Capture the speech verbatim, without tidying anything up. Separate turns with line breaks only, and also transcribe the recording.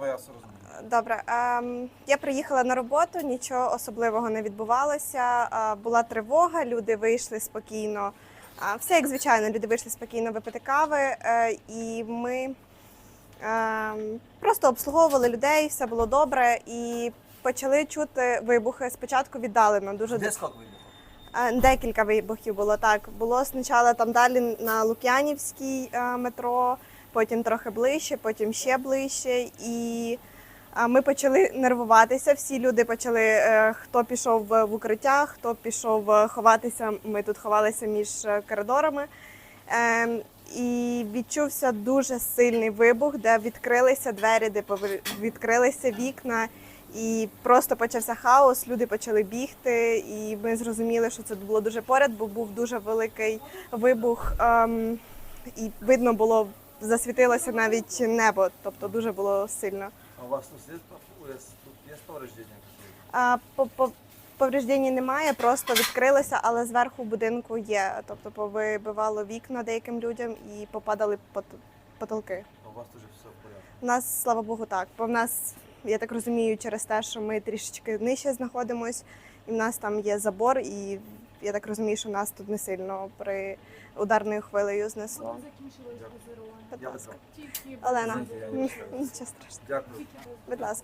давай я все розумію.
Добре. Ем, я приїхала на роботу, нічого особливого не відбувалося. Е, була тривога, люди вийшли спокійно. Е, все як звичайно, люди вийшли спокійно випити кави. Е, і ми е, просто обслуговували людей, все було добре. І почали чути вибухи. Спочатку віддалено. Дуже
Де скільки вибухів?
Е, Декілька вибухів було так. Було спочатку там далі на Лук'янівській е, метро, потім трохи ближче, потім ще ближче. І е, ми почали нервуватися. Всі люди почали, е, хто пішов в укриття, хто пішов е, ховатися. Ми тут ховалися між е, коридорами. Е, І відчувся дуже сильний вибух, де відкрилися двері, де повер- відкрилися вікна. І просто почався хаос, люди почали бігти, і ми зрозуміли, що це було дуже поряд, бо був дуже великий вибух, ем, і видно було, засвітилося навіть небо, тобто дуже було сильно.
А у вас тут є, тут є повреждення?
А, по, по, повреждень немає, просто відкрилося, але зверху будинку є, тобто повибивало вікна деяким людям і попадали пот- потолки.
А у вас тут все в порядку?
У нас, слава Богу, так. Бо в нас, я так розумію, через те, що ми трішечки нижче знаходимось, і в нас там є забор, і я так розумію, що нас тут не сильно при ударною хвилею знесло.
Коли закінчилось базирування?
Будь
Я
ласка.
Тільки
Олена,
Извините, я не
нічого страшного.
Дякую.
Будь ласка.